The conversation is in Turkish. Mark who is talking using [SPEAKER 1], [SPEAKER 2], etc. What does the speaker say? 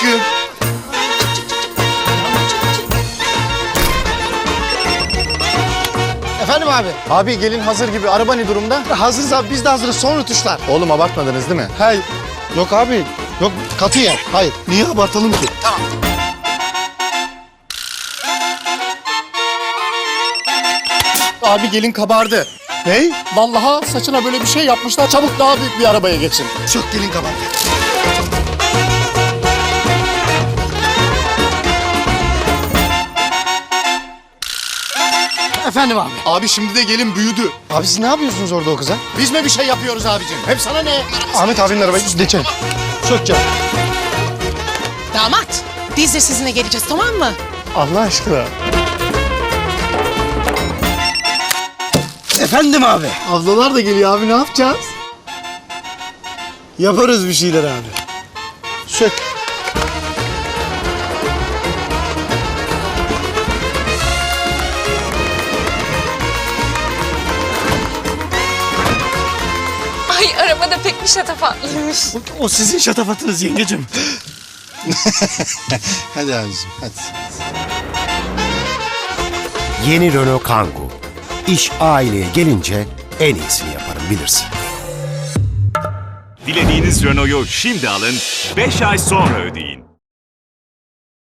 [SPEAKER 1] aşkım.
[SPEAKER 2] Efendim abi?
[SPEAKER 3] Abi gelin hazır gibi. Araba ne durumda?
[SPEAKER 2] Hazırız abi, biz de hazırız. Son rötuşlar.
[SPEAKER 3] Oğlum abartmadınız değil mi?
[SPEAKER 2] Hayır. Yok abi. Yok, katiyen. Hayır.
[SPEAKER 1] Niye abartalım ki?
[SPEAKER 3] Abi gelin kabardı.
[SPEAKER 2] Ney?
[SPEAKER 3] Vallahi saçına böyle bir şey yapmışlar. Çabuk daha büyük bir arabaya geçin.
[SPEAKER 1] Çok gelin kabardı.
[SPEAKER 2] Efendim abi?
[SPEAKER 3] Abi şimdi de gelin büyüdü.
[SPEAKER 2] Abi siz ne yapıyorsunuz orada o kıza?
[SPEAKER 3] Biz mi bir şey yapıyoruz abicim? Hep sana ne?
[SPEAKER 2] Ahmet abinin arabayı geçelim. Sök canım.
[SPEAKER 4] Damat, biz de sizinle geleceğiz, tamam mı?
[SPEAKER 2] Allah aşkına. Efendim abi? Ablalar da geliyor abi, ne yapacağız? Yaparız bir şeyler abi. Sök.
[SPEAKER 5] Ay araba da pek bir şatafatlıymış.
[SPEAKER 1] O sizin şatafatınız yengecim.
[SPEAKER 2] Hadi abicim, hadi.
[SPEAKER 6] Yeni Renault Kangoo. İş aileye gelince en iyisini yaparım bilirsin.
[SPEAKER 7] Dilediğiniz Renault'u şimdi alın, 5 ay sonra ödeyin.